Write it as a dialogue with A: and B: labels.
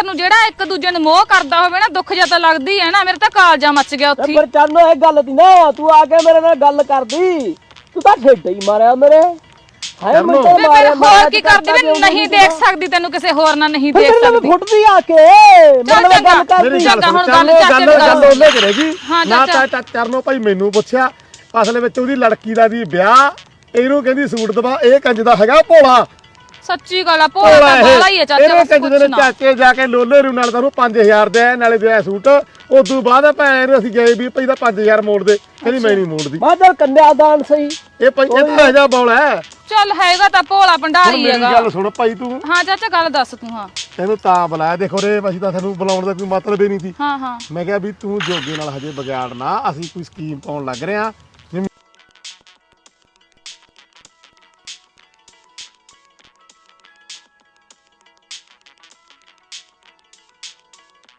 A: ਨੂੰ ਜਿਹੜਾ ਇੱਕ ਦੂਜੇ ਨੂੰ ਮੋਹ ਕਰਦਾ ਹੋਵੇ ਨਾ ਦੁੱਖ ਜਿਹਾ ਤਾਂ ਲੱਗਦੀ ਹੈ ਨਾ। ਮੇਰੇ ਤਾਂ ਕਾਲਜਾ ਮੱਚ ਗਿਆ ਉੱਥੇ।
B: ਪਰ ਚਰਨੋ ਇਹ ਗੱਲ ਦੀ ਨਾ ਤੂੰ ਆ ਕੇ ਮੇਰੇ ਨਾਲ ਗੱਲ ਕਰਦੀ ਤੂੰ ਤਾਂ ਠੇਡਾ ਹੀ ਮਾਰਿਆ ਮੇਰੇ। ਹਾਏ ਮੈਂ ਤਾਂ
A: ਫਿਰ ਹੋਰ ਕੀ ਕਰਦੀ ਵੇ ਨਹੀਂ ਦੇਖ ਸਕਦੀ ਤੈਨੂੰ ਕਿਸੇ ਹੋਰ ਨਾਲ ਨਹੀਂ ਦੇਖ ਸਕਦੀ।
B: ਫੁੱਟਦੀ ਆ ਕੇ ਮੇਰੇ ਨਾਲ ਗੱਲ ਕਰਦੀ।
A: ਚੱਲ ਹੁਣ ਗੱਲ ਚਾਚੇ ਦੀ
C: ਗੱਲ ਉਹਨੇ ਕਰੇਗੀ ਨਾ
A: ਚਾਚਾ
C: ਚਰਨੋ ਭਾਈ ਮੈਨੂੰ ਪੁੱਛਿਆ ਅਸਲ ਵਿੱਚ ਉਹਦੀ ਲੜਕੀ ਦਾ ਦੀ ਵਿਆਹ ਇਹਨੂੰ ਕਹਿੰਦੀ ਸੂਟ ਦਵਾ ਇਹ ਕੰਜ ਦਾ ਹੈਗਾ ਭੋਲਾ।
A: ਸੱਚੀ ਗੱਲ ਆ ਭੋਲਾ ਤਾਂ ਬਾਲਾ ਹੀ ਆ ਚਾਚਾ।
C: ਇਹਨੇ ਕੰਜ ਦੇ ਚਾਚੇ ਜਾ ਕੇ ਲੋਲੇ ਰੂ ਨਾਲ ਤੁਹਾਨੂੰ 5000 ਦੇ ਨਾਲੇ ਦਿਆ ਸੂਟ। ਉਦੋਂ ਬਾਅਦ ਭੈਣ ਅਸੀਂ ਗਏ ਵੀ ਭਾਈ ਦਾ 5000 ਮੋੜ ਦੇ ਕਹਿੰਦੀ ਮੈਂ ਨਹੀਂ ਮੋੜਦੀ।
B: ਮੈਂ ਚੱਲ ਕੰਨਿਆਦਾਨ ਸਹੀ
C: ਇਹ ਭਾਈ ਇਹ ਤਾਂ ਜਾ ਬੌਲਾ ਹੈ।
A: ਚੱਲ ਹੈਗਾ ਤਾਂ ਭੋਲਾ ਭੰਡਾਰੀ ਹੈਗਾ।
C: ਮੇਰੀ ਗੱਲ ਸੁਣ ਭਾਈ ਤੂੰ।
A: ਹਾਂ ਚਾਚਾ ਗੱਲ ਦੱਸ ਤੂੰ। ਹਾਂ
C: ਤੈਨੂੰ ਤਾਂ ਬੁਲਾਇਆ ਦੇਖੋ ਰੇ ਅਸੀਂ ਤਾਂ ਤੁਹਾਨੂੰ ਬੁਲਾਉਣ ਦਾ ਕੋਈ ਮਤਲਬ ਹੀ ਨਹੀਂ ਸੀ।
A: ਹਾਂ
C: ਮੈਂ ਕਿਹਾ ਵੀ ਤੂੰ ਜੋਗੇ ਨਾਲ ਹਜੇ ਵਿਗਾੜਨਾ ਅਸੀਂ ਕੋਈ ਸਕੀਮ ਪਾਉਣ ਲੱਗ ਰਹੇ ਆ